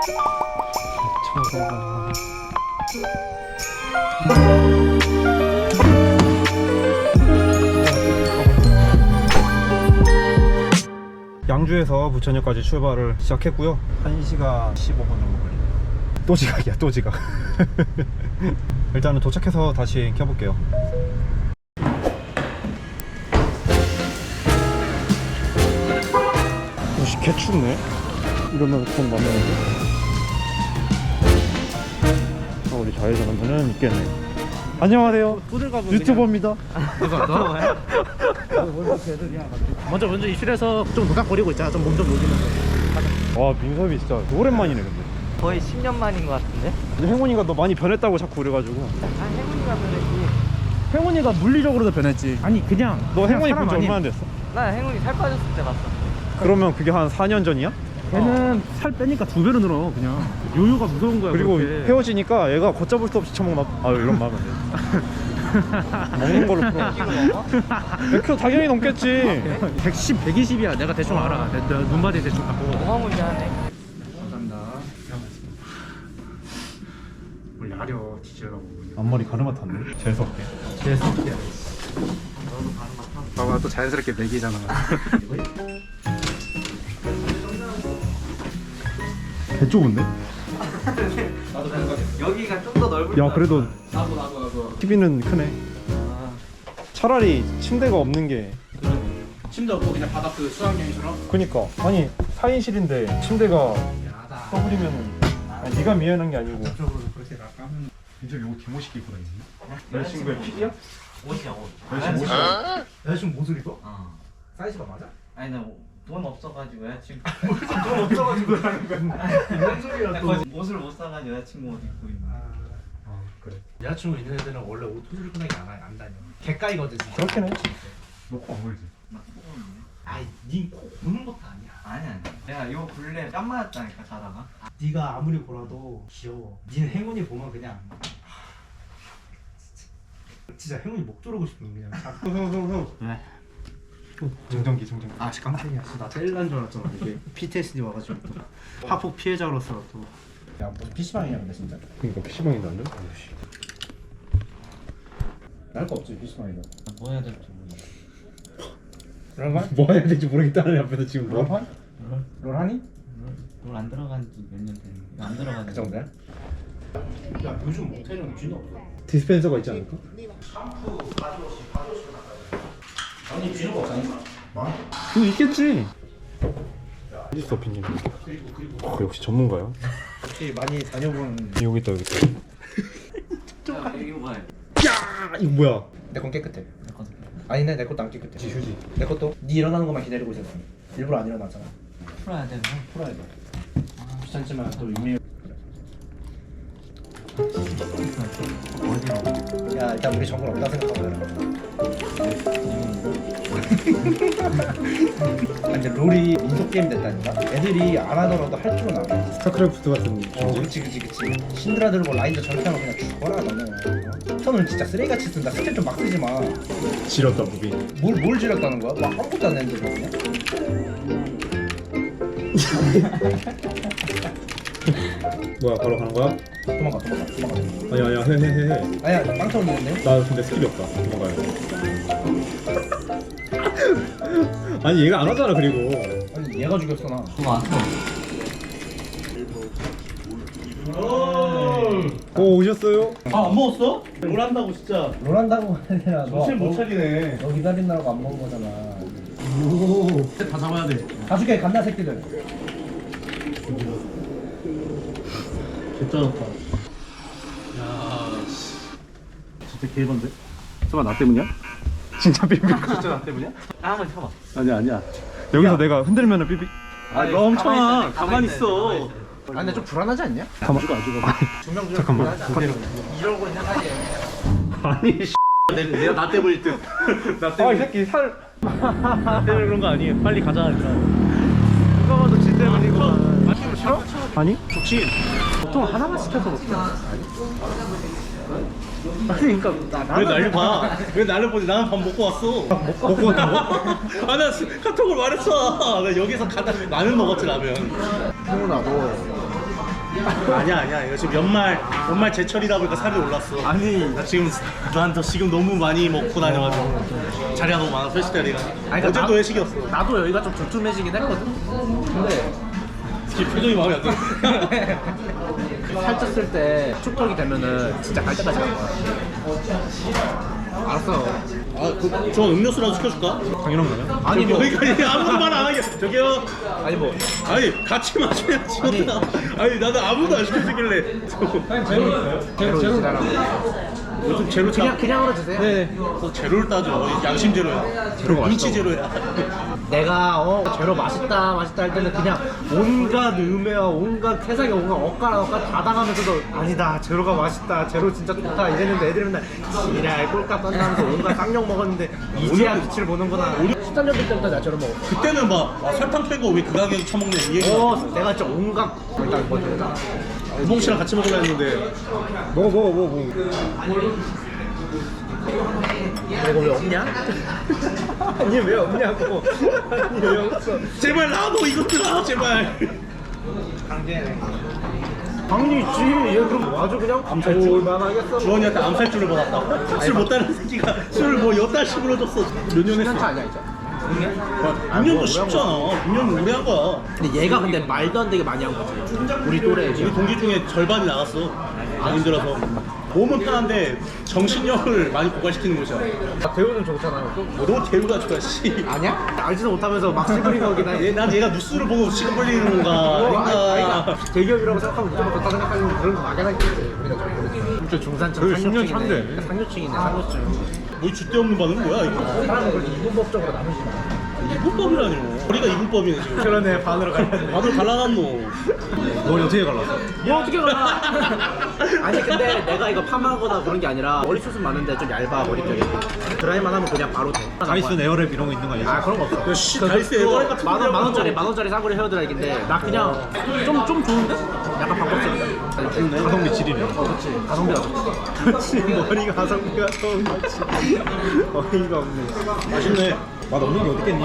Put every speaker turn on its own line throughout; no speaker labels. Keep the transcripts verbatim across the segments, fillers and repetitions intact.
양주에서 부천역까지 출발을 시작했고요. 한 시간 십오 분 정도 걸리네요. 또 지각이야, 또 지각. 일단은 도착해서 다시 켜볼게요. 오씨, 개춥네. 이러면 돈 만나는데. 아, 우리 좌회전하면은 있겠네. 안녕하세요. 유튜버입니다.
먼저 먼저 입실해서 좀 노닥거리고 있잖아. 좀 몸 좀 녹이면서.
와, 민섭이 진짜 오랜만이네 근데.
거의 십 년 만인 것 같은데?
행운이가 너 많이 변했다고 자꾸 그래가지고.
아, 행운이가 변했지.
행운이가 물리적으로도 변했지. 아니 그냥
너
그냥
행운이
사람
본 지
아님.
얼마나 됐어?
나 행운이 살 빠졌을 때 봤어.
그러면 그게 한 사 년 전이야?
걔는 살 빼니까 두 배로 늘어. 그냥 요요가 무서운 거야.
그리고
그렇게.
헤어지니까 얘가 걷잡을 수 없이 처먹나. 아, 이런 말 하면 돼. 먹는 걸로 풀어. 백 킬로그램 당연히 넘겠지.
백십, 백이십이야. 내가 대충 알아. 내, 내 눈바디 대충 갖고.
어마무시하네.
감사합니다. 뭘 야려 뒤지라고.
앞머리 가르마 탔네. 재수없게.
재수없게. 봐봐, 또 자연스럽게 먹이잖아.
개 좁은데?
여기가 좀 더 넓을
야, 그래도
나도 나도 나도.
티비는 크네.
아,
차라리 침대가 없는 게.
침대 없고 그냥 바닥 그 수학여행처럼.
그니까 아니 사 인실인데 침대가
야다.
떠버리면은. 아니, 네가 미안한 게 아니고.
적으로 그렇게 나가면.
민섭이 옷 개멋있게 입고 다니네. 여자친구의 픽이야?
옷이야 옷.
여자친구 옷이야?
여자친구 옷을 입어?
어.
사이즈가 맞아?
아니 나 돈 없어가지고 여자친구.
돈 없어가지고 하는 거야. 뭔 소리야 또.
옷을 못 사가지고 여자친구 옷 입고 있는.
아, 그래.
여자친구 있는 애들은 원래 옷 소질 끈하게 안, 안 다녀. 개까이거든 진짜.
그렇긴 해. 너코 안 보이지?
나 코고는데.
아이 니코 고는 것도 아니야.
아니 아니. 내가 요 근래 땀 맞았다니까 자다가.
네가 아무리 보라도 귀여워. 니는 행운이 보면 그냥 진짜 행운이 목 조르고 싶은 그냥.
흥흥흥흥.
네.
정전기 정전기.
아, 씨 깜짝이야. 나 제일 난 줄 알았잖아. 이게 피티에스디 와가지고 또 하폭 피해자로서 또. 야 무슨 피시방이냐 근데 진짜.
그러니까 피시방이 나는?
날 거 없지 피시방이다.
뭐 해야 될지 모르겠어.
롤판?
뭐 해야 될지 모르겠다는 앞에서 지금 뭐?
롤판? 롤하니?
롤안 들어간 지 몇 년 됐는데. 안 들어간
그
지.
정도야? 야 요즘 모텔은 쥐는 없어.
디스펜서가 있지 않을까?
샴푸 바디워시 바디워시 아니 쥐는 없다니까.
그거 있겠지. 어딨어 빈님?
그리고 그리고
어, 역시 전문가야.
혹시 많이 다녀본.
여기 있다 여기 있다.
야, 이거 봐요.
야, 이거 뭐야?
내 건 깨끗해.
내 것도.
아니네 내 것도 안 깨끗해.
휴지.
내 것도 네 일어나는 것만 기다리고 있었어. 일부러 안 일어났잖아.
풀어야 되나?
풀어야 돼. 귀찮지만 또 유미.
어디로?
야 일단 우리 정글 없다 생각하고 해라. 아, 이제 롤이 민속 게임 됐다니까. 애들이 안 하더라도 할 줄은 알아.
스타크래프트 같은
어, 그렇지, 그렇지, 그렇지. 신드라 들고 라인저 전투하면 그냥 죽어라 너는. 어? 턴을 진짜 쓰레기같이 쓴다. 스킬 좀 막 쓰지 마.
지렸다 무비.
뭘, 뭘 지렸다는 거야? 막 아무것도 안 했는데 그냥.
뭐야, 바로 가는 거야?
도망가, 도망가, 도망가.
아니 아니야, 해 해 해 해.
아니야, 빵 터졌는데?
나 근데 스킬이 없다. 도망가야 돼. 아니 얘가 안 하잖아 그리고.
아니 얘가 죽였어 나.
그거 안 써.
오, 오셨어요?
아 안 먹었어? 롤 한다고 진짜. 롤 한다고 아니라 너
정신 못 차리네.
너 기다린다고 안 먹은 거잖아.
오.
다 잡아야 돼. 가줄게 간다 새끼들. 개쩔었다. 야, 진짜 개건데? 설마 나 때문이야?
진짜 삐삐.
진짜 나 때문이야?
아, 한번 쳐봐.
아니야 아니야.
여기서 내가 흔들면은 삐삐.
아,
아니,
너 멈춰.
가만히 있어,
가만히
가만히
있어.
있어.
아니 근데 좀 불안하지 않냐?
가만.
죽어 안 죽어. 두명 중에
잠깐만.
이러고 있는 사이에.
아니.
내가 나 때문일 듯. 나
아, 이 새끼 살.
나 때문에 그런 거 아니에요. 빨리 가자 일단. 누가 봐도 지 때문이고. 맞기로 싫어?
아니?
좋지. 보통 하나만 시켜서 먹자. 아니 그러니까 왜 나를 봐? 왜 나를 보지? 나는 밥 먹고 왔어.
먹고 왔다고?
아나 카톡을 말했어. 나 여기서 가다 라면 먹었지 라면. 형훈아 너 아니야 아니야 이거 지금 연말 연말 제철이다 보니까 살이 올랐어.
아니
나 지금 난 더 지금 너무 많이 먹고 다녀가지고 자리가 너무 많아 회식 자리가.
아니, 그러니까
어제도
나-
회식이었어.
나도 여기가 좀 두툼해지긴 했거든. 근데
지금 표정이 마음에 안 들어.
살쪘을 때 축덕이 되면은 진짜 갈 때까지 갈 거야. 알았어.
아저 음료수라도 시켜줄까?
당연한 거야?
아니 뭐
그러니까 아무도 말 안 하게. 저기요.
아니 뭐
아니 같이 마셔야지. 아니, 아니 나는 아무도 안 시켜주길래.
제로 지나라고.
요즘 제로 차.
그냥 그냥으로 드세요.
네.
또 제로를 따져. 양심 제로야.
제로가
눈치
맛있다고.
제로야.
내가 어 제로 맛있다 맛있다 할 때는 그냥 온갖 음해와 온갖 세상에 온갖 엇가라 엇가 다 당하면서도 아니다 제로가 맛있다 제로 진짜 좋다 이랬는데 애들이 맨날 지랄 꼴값 떤다면서 온갖 쌍욕 먹었는데 이제야 빛을 보는구나. 십삼 년 때부터 나 제로 먹었어.
그때는 막 아, 설탕 빼고 왜 그 가격에 처먹냐 이 얘기.
어 내가 진짜 온갖 일단 뭐지
우봉 씨랑 같이 먹으려 했는데
먹어 먹어 먹어 먹어.
이거 왜 없냐?
아니 왜 없냐고. 아니 왜 없어.
제발 나도 이것들아 제발.
당연히 있지. 얘 그럼 아주 그냥
암살주.
올만하겠어.
주원이한테 암살줄을 받았다. 술 못다는 새끼가 술을 뭐 여따식으로 줬어. 몇 년
십 년
했어?
차 아니야 이제?
육 년도 쉽잖아. 육 년 오래 한 거야.
근데 얘가 근데 말도 안 되게 많이 한 거지. 우리 또래
우리 동기 중에 절반이 나갔어. 안 힘들어서. 몸은 편한데 정신력을 많이 고갈시키는 곳이야.
아, 대우는 좋잖아.
너 대우가 좋아 씨.
아니야? 알지도 못하면서 막 시부린 거긴 해.
얘, 난 얘가 뉴스를 보고 시간 벌리는 건가
어, 아니,
아닌가.
아니, 대기업이라고 생각하면 무조건 좋다 생각하는 그런 거 막연하겠지. 우리가 잘 모르지. 진짜 중산층
거의 십 년
상류층이네.
차인데.
상류층이네 상류층.
뭐 줏대 없는 반응은 뭐야 이거.
사람은 그래도 이분법적으로 남으시네.
이분법이라뇨. 우리가 이분법이네 지금.
그러네 반으로 갈렸네.
밥을 갈라놨노.
뭘 어떻게 갈랐어?
뭐 어떻게 갈라? 아니 근데 내가 이거 파마하거나 그런 게 아니라 머리숱은 많은데 좀 얇아 머릿결이. 드라이만 하면 그냥 바로 돼.
다이슨 에어랩 이런 거 있는 거 아니야?
아 그런 거 없어.
야, 씨, 다이스 에어랩 같은 거
만원 만 원짜리 만 원짜리 싸구려 헤어드라이기인데 나 그냥 좀 좀 좋은데? 약간 방법적이다. 좋네.
가성비 질이네.
어 그렇지. 가성비가 좋지.
머리가 가성비가 좋은 거지. 어이가 없네.
맛있네.
맛 없는 게 어딨겠니?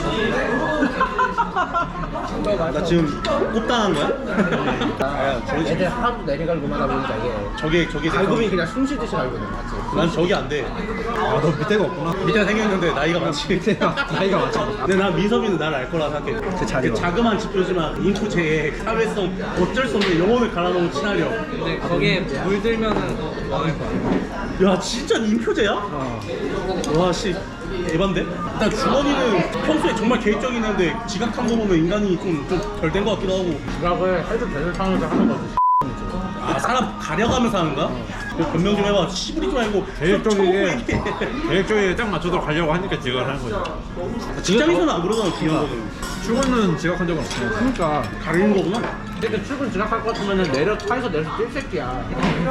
나 지금 꼽당한 거야? 야, 저기
애들 하도 내리갈고만 하다 보니까 이게
저게 저게
갈고이 그냥 숨 쉬듯이 갈고는 맞지?
난 저게 안 돼.
아너 밑에가 없구나.
밑에 생겼는데 나이가 많지.
나이가 많잖아.
근데 난 민섭이는 나를 알 거라 생각해.
제 자리로.
그 자그마한 지표지만 인투제의 사회성 어쩔 수 없는 영혼을 갈아놓은 친화력.
근데 거기에 물들면은 망할 거야.
야 진짜 인표제야? 와 씨. 대반데? 일단 주원이는 평소에 정말 계획적인 애인데 지각한 거 보면 인간이 좀 좀 덜 된 것 같기도 하고.
지각을 해도 되는 상황에서 하는 거지.
아 사람 가려가면서 하는가? 그 변명 좀 해봐. 시부리 좀 말고
계획적이게
좀 얘기해.
계획적이게 딱 맞춰서 가려고 하니까 지각을 하는 거지.
직장에서는 안 그러잖아 그런 거는.
출근은 지각한 적은 없어. 그러니까
가리는 거구나.
근데 출근 지각할 것 같으면 내려 차에서 내려서 뛸 새끼야.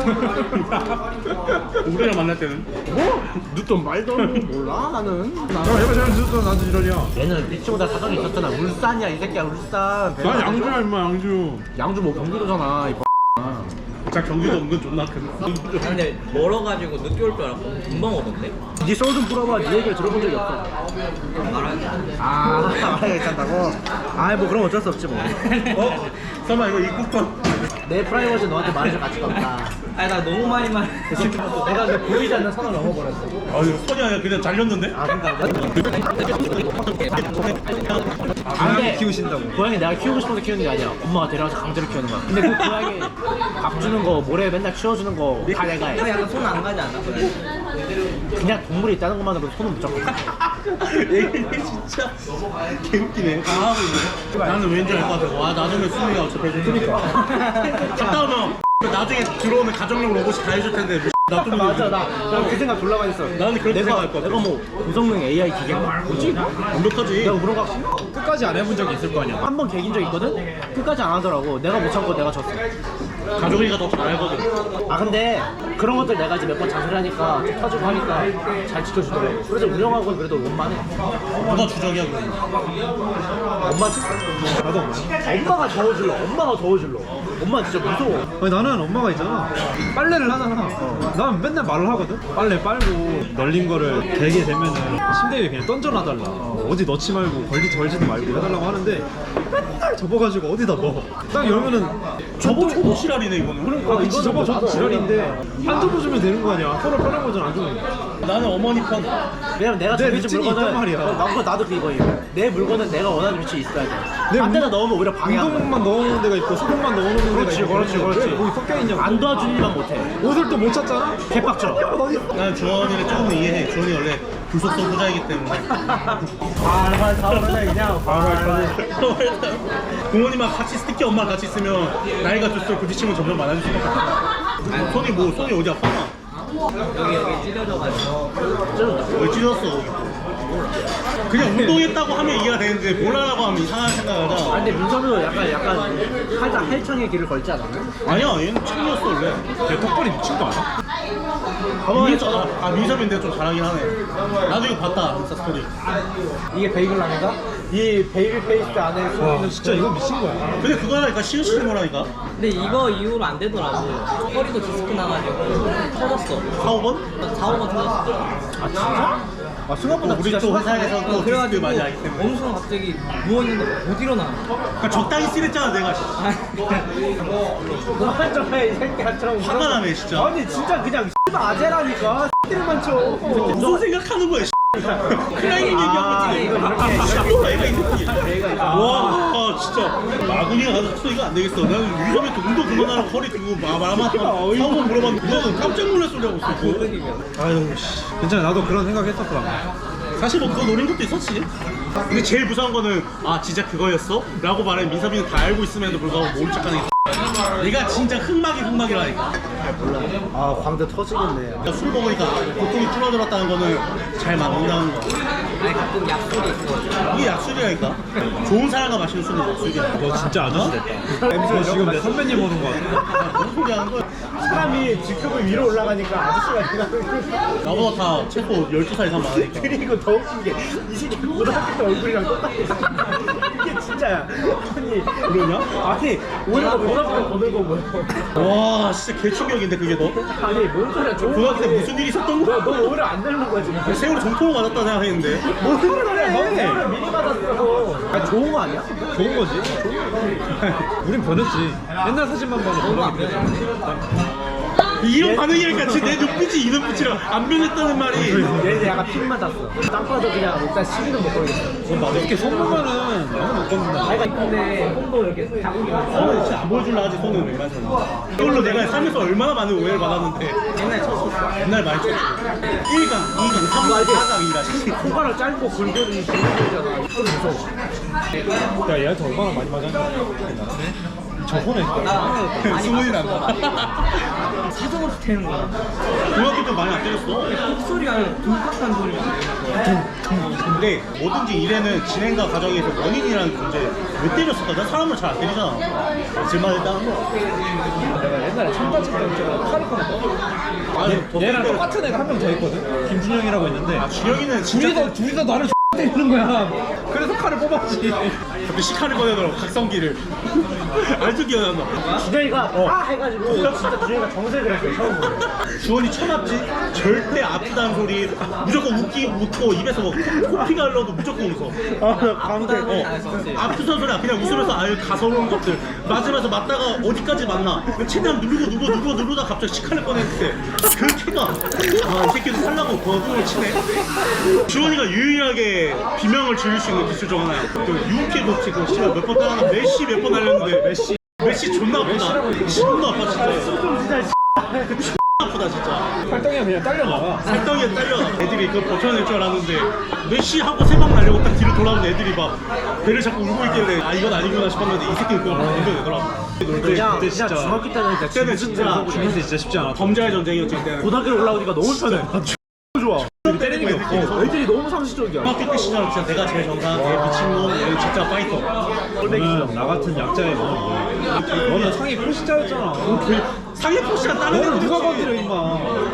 우리랑 만날 때는
뭐? 늦던 말던 몰라 나는.
야 얘가 잘 듣던 나도 지랄이야.
얘는 미치보다 사정이 있었잖아. 울산이야 이 새끼야 울산.
난 양주야 임마 양주.
양주 뭐 경기도잖아 이
진짜 경기도 은근 존나 큰.
근데 멀어가지고 늦게 올 줄 알았고 금방 오던데?
네 소울 좀 풀어봐. 네 얘기를 들어본 적이 없어.
말하는
아 말하기 괜찮다고? 아이 뭐 그럼 어쩔 수 없지 뭐.
어? 설마 이거 입국권?
내 프라이버시 너한테 말해줄 가치가 없다.
아니 나 너무 많이 말
내가 근데 보이지 않는 선을 넘어버렸어.
아 이거 손이 아니라 그냥 잘렸는데?
아 그러니까
고양이 키우신다고.
고양이 내가 키우고 싶어서 키우는 게 아니야. 엄마가 데려와서 강제로 키우는 거야. 근데 그 고양이 밥 주는 거 모래 맨날 치워주는 거 다 내가 해.
약간 손 안 가지 않아?
그냥 동물이 있다는 것만으로도 손은 못 잡고.
얘 진짜 개웃기네. 다 하고 있네. 나는 왠지 알 것 같아. 와 나중에 수미가 어차피 해줄 테니까. 갔다 오면 나중에 들어오는 가정용 로봇이 다 해줄 텐데 나도
맞아 나 그 생각 졸라 많이 했어.
나는 그렇게
내가
생각할 것 같아.
내가 뭐 고성능 에이아이 기계가 뭐지?
완벽하지.
내가 그런 거 같아.
끝까지 안 해본 적이 있을 거 아니야.
한 번 개긴 적 있거든? 끝까지 안 하더라고. 내가 못 참고 내가 졌어.
가족이가 더 잘 알거든.
아 근데 그런 것들 내가 이제 몇 번 잔소리하니까 좀 터지고 하니까 잘 지켜주더라고. 그래서 우영하고는 그래도 원만해.
누가 주적이야 그러면.
엄마지?
나도 엄마.
엄마가 저어질러. 엄마가 저어질러. 엄마 진짜 무서워.
아니 나는 엄마가 있잖아. 빨래를 하잖아. 난 맨날 말을 하거든. 빨래 빨고 널린 거를 되게 되면은 침대 위에 그냥 던져놔달라. 어디 넣지 말고 걸리 걸지도 말고 해달라고 하는데 맨날 접어가지고 어디다 넣어. 딱 열면은
저거 초보 시랄이네 이거는.
그러니까 그치 접어 줘도 지랄인데 안 접어주면 되는 거 아니야. 서로 편한 거잖아 안 접으니까.
나는 어머니 편.
왜냐면 내가
내
정해진
루틴이
물건은
있단 말이야.
어, 나도 나도 그거예요. 내 물건은 내가 원하는 위치에 있어야 돼.
내
딴 데다
운-
넣으면 오히려 방해한다.
운동만 넣어놓는 데가 있고 소금만 넣어놓는 데가
그렇지,
있고.
그렇지, 그렇지.
왜 거기 섞여 있냐고.
안 도와주니만 못해.
옷을 또 못 찾잖아.
개빡쳐.
난 주원이를 조금 더 이해해. 주원이 원래 불속성 후자이기 때문에.
발발 타오르네 그냥. 발발.
부모님하고 같이 스티키 엄마랑 같이 있으면 나이가 들수록 부딪힘은 점점 많아질 수밖에 없어. 손이 뭐 손이 어디 아파?
여기 여기 찢어져가지고.
왜 찢었어? 그냥 운동했다고 하면 이해가 되는데 몰라라고 하면 이상한 생각을
아
하자.
근데 민섭이도 약간 약간 살짝 헬창의 길을 걸지 않았나?
아니야 얘는 친구였어 원래.
내 턱걸이 미친 거 알아?
가만히 있어. 아, 아 민섭인데 좀 잘하긴 하네. 나도 이거 봤다 인스타 스토리.
이게 베이글 라면가? 이 베이비 페이스트 안에
와
숨어있는
진짜 이거 미친 거야.
근데 그거라니까 시으시는 거라니까.
근데 이거 이후로 안 되더라고. 허리도 디스크 나가지고 터졌어.
사, 오 번?
사, 오 번 터졌어.
아 진짜? 아 생각보다
우리
진짜
또 회사에서 또 디스크
그래가지고
많이 하기 때문에.
어느 순간 갑자기 누워있는데 못 일어나.
그러니까 적당히 쓰랬잖아 내가.
너한점에 이 새끼야처럼
화가 나네 진짜.
아니 진짜 그냥 씨발 아재라니까 X들만 쳐.
무슨 생각하는 거야? 클라이밍 얘기하고 있지.
이거
씨발 애가 이 새끼. 와 진짜 마구니가 가서 쳐 이거 안 되겠어. 나는 위험에 운동 그만하라고 허리 두고 마마마 사고 물어봤는데 너는 깜짝 놀랄 소리 하고 있어.
아유 씨. 괜찮아 나도 그런 생각 했었어.
사실 뭐 그거 노린 것도 있었지. 근데 제일 무서운 거는 아 진짜 그거였어? 라고 말해 민섭이는 다 알고 있음에도 불구하고 모른 척하는 게 네가 진짜 흑막이 흑막이라니까.
아 광대 터지겠네.
그러니까 술 먹으니까 고통이 줄어들었다는 거는 잘 맞는다는 거.
아니 가끔 약속이 있어.
이게 약술이라니까. 좋은 사람과 마시는 술은 약술이야.
너 진짜 아저씨 됐다. 너 지금 내 선배님 오는 거 같아.
무슨 소리 하는 거야?
사람이 직급이 위로 올라가니까 아저씨가 되는
나보다 다 최소 열두 살 이상 많으니까.
그리고 더 웃긴 게 이 새끼 고등학교 때 얼굴이랑 똑같아. 이게 진짜야. 아니
그러냐?
아니 오히려 고등학교 때 거들 거 뭐야?
와 진짜 개충격인데 그게 너?
아니 뭔 소리야? 좋은
고등학교 때
거지.
무슨 일이 있었던 거야?
너, 너 오히려 안 되는 거야 지금.
세월호 정통을 맞았다 생각했는데.
무슨 소리야? 너 세월을 미리 받았어. 아 좋은 거 아니야?
좋은 거지. 우린 변했지. 옛날 사진만 봐도 변하게 돼.
이런 반응이니까 진짜 내 눈빛이 이 눈빛이랑 안 변했다는 말이.
얘는 약간 핀 맞았어. 딱 봐도 그냥 일단 시비는 못 걸겠어.
맞아. 이렇게 손보면은 너무 못 걷는다.
아이가 근데 손도 이렇게 자국이
손은 진짜 안 보여줄라 하지 손은 웬만해서. 이걸로 내가 살면서 얼마나 많은 오해를 받았는데.
옛날에 쳤었어.
옛날 많이 쳤지. 일 강, 이 강, 삼 강, 사 강이라 씨.
손가락 짧고 굵은 굵은이잖아. 좀 무서워.
야 얘한테 얼마나 많이 맞았냐. 저번에
많이
수문이
봤었어.
난다.
사정없이 태는 거야.
중학교 때 많이 안 때렸어.
콧소리가 둥탁한 소리가.
근데 뭐든지 일에는 진행과 과정에서 원인이라는 존재 왜 때렸을까? 난 사람을 잘 안 때리잖아. 질만 했다는 거.
내가 옛날에 청바지 때문에 칼을 꺼냈거든.
아,
얘랑 똑같은 애가 한 명 더 있거든. 김준영이라고 있는데.
아, 준영이는 진짜
둘이서 둘이서 나를 때리는 거야. 그래서 칼을 뽑았지.
갑자기 시카를 꺼내더라고 각성기를. 아직도 기억난다.
준영이가 아 해가지고 진짜 준영이가 정색을 했어 처음으로.
주원이 쳐놨지? 절대 아프다는 소리 무조건 웃기 웃고 입에서 뭐 코- 코피가 흘러도 무조건 웃어.
아나 광대.
어, 아프다는 소리 그냥 웃으면서 아유 가서로운 것들 맞으면서 맞다가 어디까지 맞나 최대한 누르고 누르고 누르고 누르다 갑자기 시카를 꺼냈는데 그 키가 아이 새끼도 살라고 거두를 치네. 주원이가 유일하게 비명을 지을 수 있는 기술 중 하나야. 그 유키 도치 그 씨발 몇번 따라나 메시 몇 번 날렸는데 메시 메시 존나 아프다. 존나 아파 진짜. 그 존나 아프다 진짜.
팔덩이가 그냥 딸려 나가.
살덩이에 딸려. 애들이 그걸 버텨낼 줄 알았는데 메시 하고 세 방 날리고 딱 뒤로 돌아오는 애들이 막 배를 자꾸 울고 있길래 아 이건 아니구나 싶었는데 이 새끼는 그걸 건져내더라고.
그냥 그냥 중학교 때는 진짜
그때는 진짜
죽는 게 진짜 쉽지 않아.
범죄의 전쟁이었지 그때는.
고등학교 올라오니까 너무 편해. 좋아.
때리는 게 없고
애들이 너무 상식적이야.
중학교 때 시절 진짜 내가 제일 정상 제일 미친 놈 얘는 진짜 파이터.
너는 나 같은 약자의 마음이 뭐야? 너는 상위 포시자였잖아.
상해 포시가 다른
너는
애들
누가 건드려 임마.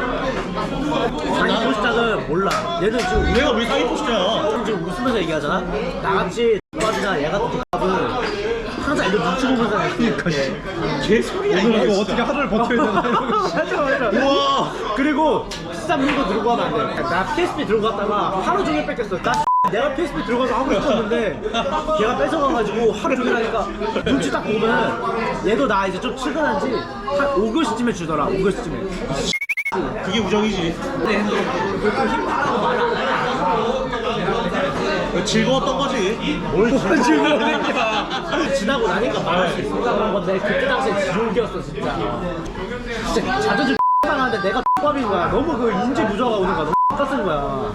아니 포스타는 몰라. 얘는 지금
내가 왜 상해 포시야?
지금 웃으면서 얘기하잖아. 나같이 X밥이나 얘 같은 X밥은 항상 애들 눈치 보면서 그러니까
개 소리야
오늘
이게
이거
진짜.
어떻게 하루를 버텨야 되나 이러고.
맞아 맞아.
우와
그리고 비싼 물건 들고 가면 안 돼. 나 피에스피 들고 갔다가 하루 종일 뺏겼어. 나 내가 피에스피 들어가서 하고 싶었는데 걔가 뺏어가가지고 하루 종일 하니까 눈치 딱 보면 얘도 나 이제 좀 출근한지 한 오 교시쯤에 주더라. 오 교시쯤에.
그게 우정이지. 즐거웠던 거지.
뭘 즐거우니까 지나고 나니까 말할 수 있어. 그런 건데 그때 당시에 지옥이었어 진짜. 진짜 자존심 상하는데 내가 X밥인 거야. 너무 그 인지 부조가 오는 거야. 너무 X같은 거야.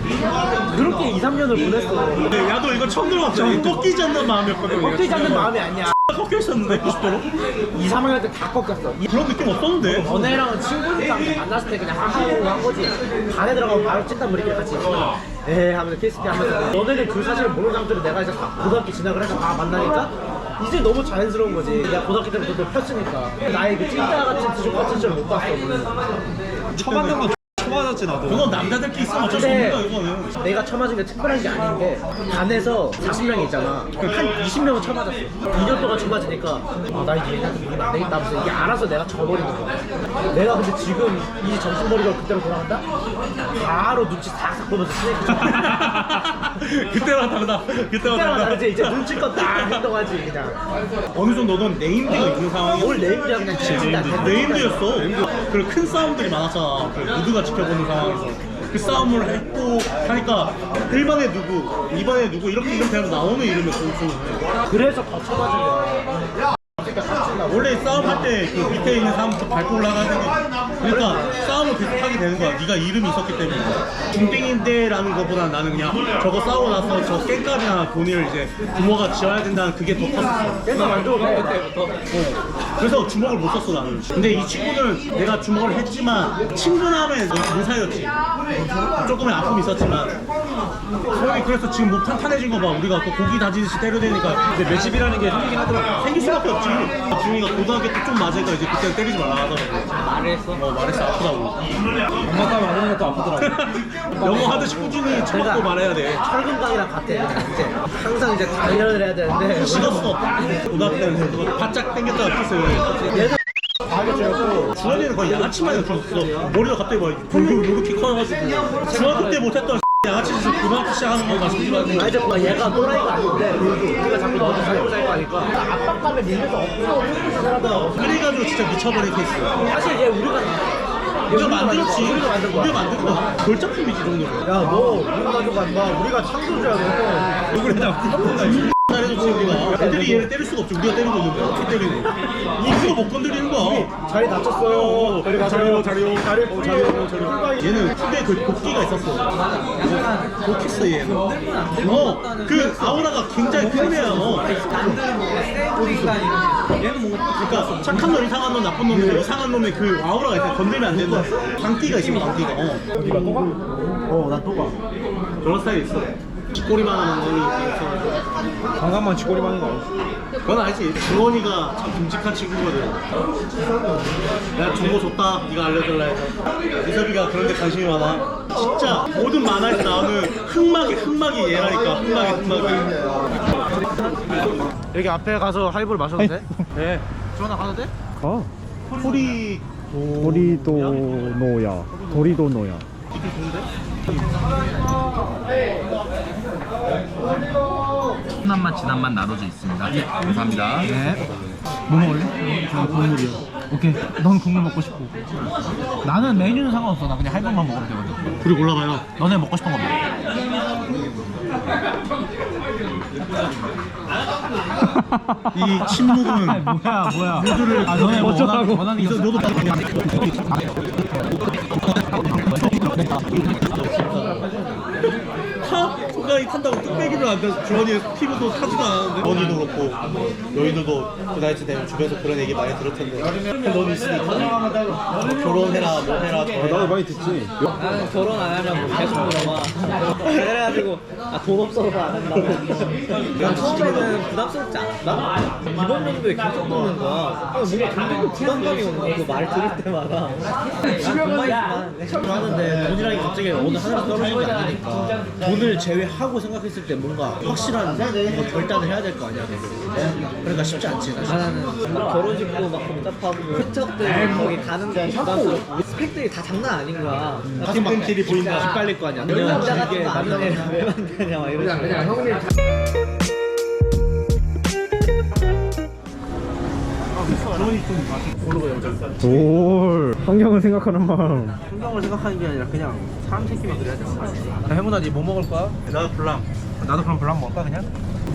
그렇게 이, 삼 년을 보냈어.
야, 너 이거 처음 들어봤어. 꺾이지 않는 마음이었거든.
꺾이지 않는 마음이 아니야.
꺾여 있었는데 구십 도로?
이, 삼 학년 때 다 꺾였어.
그런 느낌 없었는데.
너네랑은 친구니까 만났을 때 그냥 하하고 한 거지. 반에 들어가면 바로 찐단 우리끼리 같이 있어. 에이 하면서 케이스피 하면서 너네는 그 사실을 모르는 사람들이 내가 이제 다 고등학교 진학을 해서 다 만나니까 이제 너무 자연스러운 거지. 내가 고등학교 때부터 너 폈으니까 나의 그 찐따 같은 지족 같은 줄 못 봤어 오늘.
처음 만난 건 처맞았지 나도.
그건 남자들끼리 있으면 어쩔 수
근데
없는 거야 이거는.
내가 처맞은 게 특별한 게 아닌 게 반에서 사십 명이 있잖아. 한 이십 명은 처맞았어. 이 년 동안 처맞으니까 아, 나 이제 얘한테 이기면 안 되겠다 하면서 이게 알아서 내가 져버리는 거야. 내가 근데 지금 이 정신머리가 그때로 돌아간다? 바로 눈치 싹싹 보면서 스네이크 쳐.
그때랑 다르다. 그때랑
그때랑
다르다.
다르지. 이제 눈치껏 딱 행동하지 그냥.
어느 정도 너는 네임드가 있는 상황이야.
뭘 네임드야 그냥 진짜
네임드였어. 그리고 큰 싸움들이 많았잖아. 그 무드가 지켜보는 상황에서. 그 싸움을 했고 하니까 일 번에 누구, 이 번에 누구 이렇게 이름 대로 나오는 이름이었어.
그래서 더 쳐맞은 거야.
원래 싸움할 때 그 밑에 있는 사람부터 밟고 올라가는 게 그러니까 싸움을 계속하게 되는 거야. 네가 이름이 있었기 때문에. 중땡인데라는 것보다 나는 그냥 저거 싸우고 나서 저 깽값이나 돈을 이제 부모가 지어야 된다는 그게 더 컸었어.
그래서 만들어
그때부터.
어. 그래서 주먹을 못 썼어 나는. 근데 이 친구는 내가 주먹을 했지만 친근함에 못 사였지. 조금의 아픔이 있었지만 소영이 그래서 지금 목 탄탄해진 거 봐. 우리가 또 고기 다지듯이 때려대니까.
근데 매집이라는 게 생기긴 하더라고.
생길 수밖에 없지. 중이가 고등학교 때 좀 맞으니까 이제 그때 때리지 말라 하더라고.
말을 했어?
어 말했어. 아프다고.
엄마가 맞는 것도 아프더라고.
영어 하듯이 꾸준히 쳐먹고 말해야 돼.
철근강이랑 같아. 그냥 이제 항상 이제 단련을 해야 되는데
식었어. 고등학교 때는 그거 바짝 당겼다가 폈어요.
얘는 과하게 찌렸고
주원이는 거의 양아치만 줬어. 머리가 갑자기 막 이렇게 커가지고. 중학교 때 못했던 양아치 짓을 고등학교 시작하는 건가 싶지만.
아 이제 뭐 얘가 또라이가 아닌데 우리가 자꾸 너한테 살고 살고 하니까 압박감에 밀려서 없어 하더라고.
그래가지고 진짜 미쳐버린 케이스.
사실 얘 우리가
우리가 만들었지.
우리가 만든 거야.
우리가 만든 거야. 걸작품이지 이 정도면.
야너 우리 가족 안 봐. 우리가 창조주야 너.
얼굴에 다 잘해줬지 우리가. 애들이 얘를 때릴 수가 없지. 우리가 때리고 있는데 어떻게 때리니? 이거 못 건드리는 거야.
자리 낮췄어요. 자리
자리요, 자리요.
자리 어, 자리요. 자리요.
얘는 크게 그 도끼가 있었어. 도끼스 얘는. 어, 그 아우라가 굉장히 큰 애야. 어.
얘는 뭔가
그러니까 착한 놈, 이상한 놈, 나쁜 놈인데 이상한 놈의 그 아우라가 있어. 건들면 안 된다. 광기가 있어, 광기가. 어.
어디가 또 가?
어나 또 가.
그런 스타일이 있어. 쥐꼬리만 하는 놈이 있어.
강간만 쥐꼬리만 하는 거 아니지?
그건 알지. 주원이가 참 듬직한 친구거든. 내가 정보 줬다. 네가 알려달라 해서. 이섭이가 그런 데 관심이 많아. 진짜 모든 만화에서 나오는 흑막이 흑막이 얘라니까. 흑막이 흑막이.
여기 앞에 가서 하이볼 마셔도 돼?
네.
주원아 가도 돼?
가.
소리
도리도노야. 도리도노야.
순한 맛, 진한 맛 나눠져 있습니다. 네, 감사합니다.
네. 뭐 먹을래? 저 국물이요. 오케이. 넌 국물 먹고 싶고. 나는 메뉴는 상관없어. 나 그냥 할것만 먹으면 되거든.
둘이 골라봐요.
너네 먹고 싶은 거 먹어.
이 침묵은
아, 뭐야, 뭐야.
모두를
아, 너네 뭐
어쩌라고.
원하는, 원하는 게
이서
없어.
너도 타? 순간이 탄다고 뚝배기를 안 돼서 주원이 피부도 타지도 않았는데 주원이도 그렇고 너희들도 그 나이 되면 주변에서 그런 얘기 많이 들을 텐데 너는 있으니까 결혼해라 뭐 해라 저
아, 나도
해라
많이 듣지.
나는 결혼 안 하냐고 계속 물어봐. 그래가지고 아, 돈 없어서 안 한다고. 난 처음에는 부담스럽지 않았다. 이번 연도에 계속 먹는 거야. 뭔가 굉장히 부담감이 오는 거야. 그 말 들을 때마다. 난 돈만 있으면
하는데 돈이라는 게 갑자기 어느 하나로 떨어지는 게 아니니까 돈을 돈을 제외하고 생각했을 때 뭔가 확실한 뭔가 결단을 해야 될 거 아니야. 그러니까 쉽지 않지. 사실.
아, 나는 결혼식도 막 복잡하고 세척들 거기 가는데 부담스럽고 스펙들이 다 장난 아닌 거야.
학생들이 보인다. 기빨릴 거 아니야.
남자 같은
이게
거안
남자가
되냐 왜 만드냐 막 이런
그냥 형님
올 환경을 생각하는 마음.
풍경을 생각하는 게 아니라 그냥 사람 새끼만 그래야 되는 거 아니야. 야, 행운아, 니 뭐 먹을 거야?
나도 블랑.
나도 그럼 블랑 먹을까 그냥?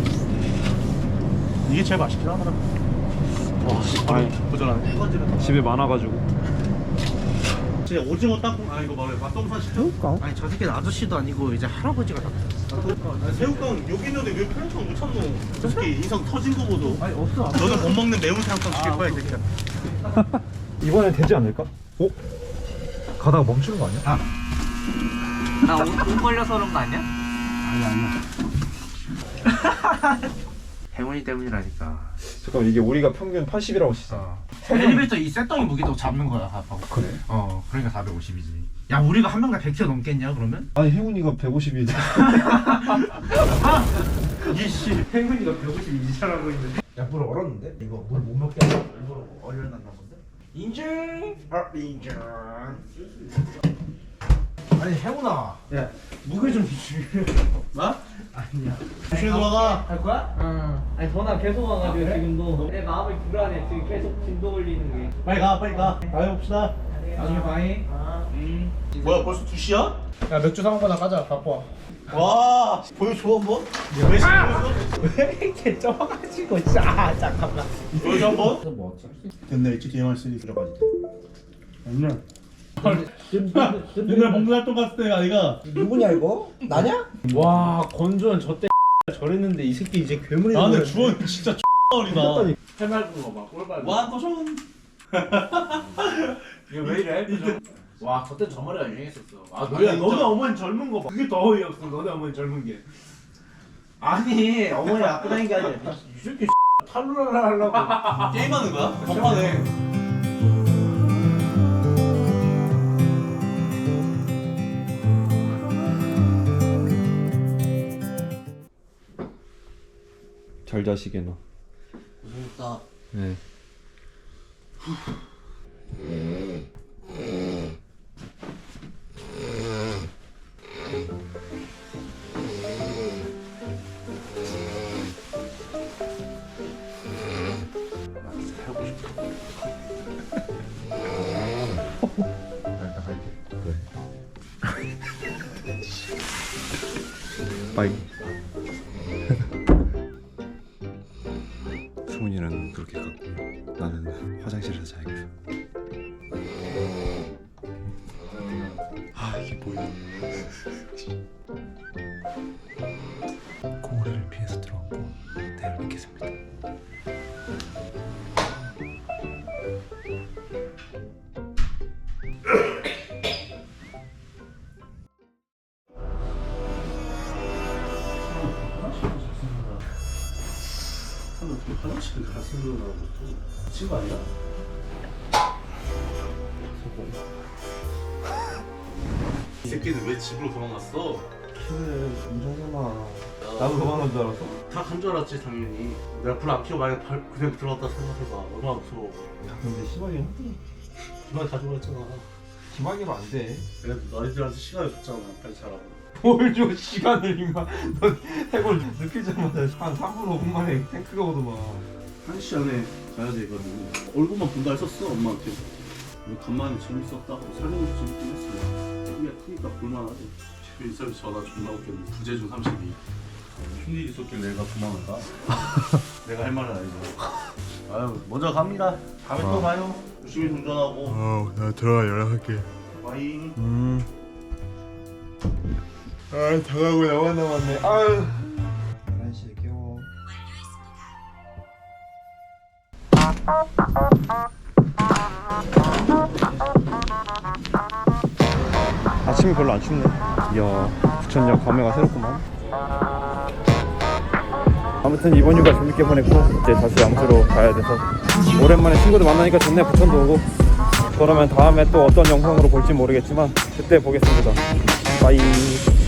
이게 제일 맛있긴 하더라.
아니
부드러운.
집에 많아가지고.
진짜 오징어 땅콩 아 이거 뭐래 맛동산 시켜?
아니 저 새끼는 아저씨도 아니고 이제 할아버지가 다
아니, 새우깡 여기 있는데 왜 편의점 못 찾노? 저 새끼 인성 터진 거 보소.
아니 없어.
너는 못 먹는 매운 새우깡 시킬 거야 이 새끼야.
이번엔 되지 않을까? 어? 가다가 멈추는 거 아니야? 아.
나옷 걸려서 그런 거 아니야?
행운이 때문이라니까.
잠깐 이게 우리가 평균 팔십이라고 치잖아.
엘리베이터 이 쇠덩이 무게도 잡는 거야 아빠가.
그래?
어 그러니까 사백오십이지. 야 우리가 한 명당 백 킬로그램 넘겠냐 그러면?
아니 행운이가 백오십이.
이씨 행운이가 백오십이 잘하고 있는데. 야 물 얼었는데? 이거 물 못 먹게 하려고 일부러 얼려놨나 본데? 인증! 아 인증. 아니 행운아. 야 무게 좀 주시.
나?
아니야.
조심히 돌아가.
할 거야?
응. 아니 전화 계속 와가지고 지금도 내 마음이 불안해. 지금 계속 진도 걸리는 게.
빨리 가 빨리 가. 가봅시다.
나중에 봐잉.
뭐야 벌써 두 시야?
야 맥주 사 먹거나 가자. 바빠.
와 보여줘 한번. 왜 보여줘?
왜 이렇게 쪄가지고 진짜. 아 잠깐만.
보여줘 한번. 옛날 일찍 게임할 수 있어 가지고. 옛날. 옛날 봉사 활동 갔을 때 아이가.
누구냐 이거? 나냐? 와 건조한 저때 저랬는데 이 새끼 이제 괴물이
아 근데
돼버렸네.
주원 진짜 어리다.
해맑은 거 봐. 꼴발.
와 도전.
이게 왜 이래? 와 저때 저 머리가 유행했었어. 아
너네- 너네
어머니 젊은 거 봐. 그게 더 어이없어. 너네 어머니 젊은 게. 아니 어머니 갖고 다니는 게 아니라 이 새끼 탈루랄라 하려고.
게임하는 거야? 덕분에.
잘 자시게나.
고생했다.
네. 빠이. 승훈이는 그렇게 갖고 나는 화장실에서 자야겠어. 아 이게 뭐야? 고리를 피해서 들어왔고 내일 뵙겠습니다.
화장실 가슴으로 친구 아니야? 이 새끼는 왜 집으로 도망갔어?
나도 도망간 줄 알았어.
다 간 줄 알았지 당연히. 내가 불 안 켜고 만약 발- 그냥 들어갔다 생각해봐 얼마나 무서워.
근데 시박이는
그만 가지고 갔잖아.
시박이면 안 돼.
그래도 너희들한테 시간을 줬잖아 빨리 자라고.
뭘 줘 시간을 임마. 넌 해골 느끼자마자 한 삼 분 오 분 만에 탱크가 오더만.
한 시간에 가야 돼 이거는. 얼굴만 본다 했었어 엄마한테. 뭐 간만에 재밌었다. 설명도 재밌긴 했어. 크기가 크니까 볼만하지. 집에 있어서 전화 존나 웃겼네. 부재 중 삼십이. 무슨 일 있었길래 내가 도망을 가? 내가 할 말은 아니죠. 아유 먼저 갑니다. 다음에 또 봐요. 열심히 운전하고.
어, 나 들어가 연락할게.
바이.
음. 아, 다가고 나만 남았네. 아유. 열한 시에 깨워. 아침이 별로 안 춥네. 이야, 부천역 감회가 새롭구만. 아무튼 이번 휴가 재밌게 보냈고 이제 다시 양수로 가야 돼서 오랜만에 친구들 만나니까 좋네. 부천도 오고. 그러면 다음에 또 어떤 영상으로 볼지 모르겠지만 그때 보겠습니다. 빠이.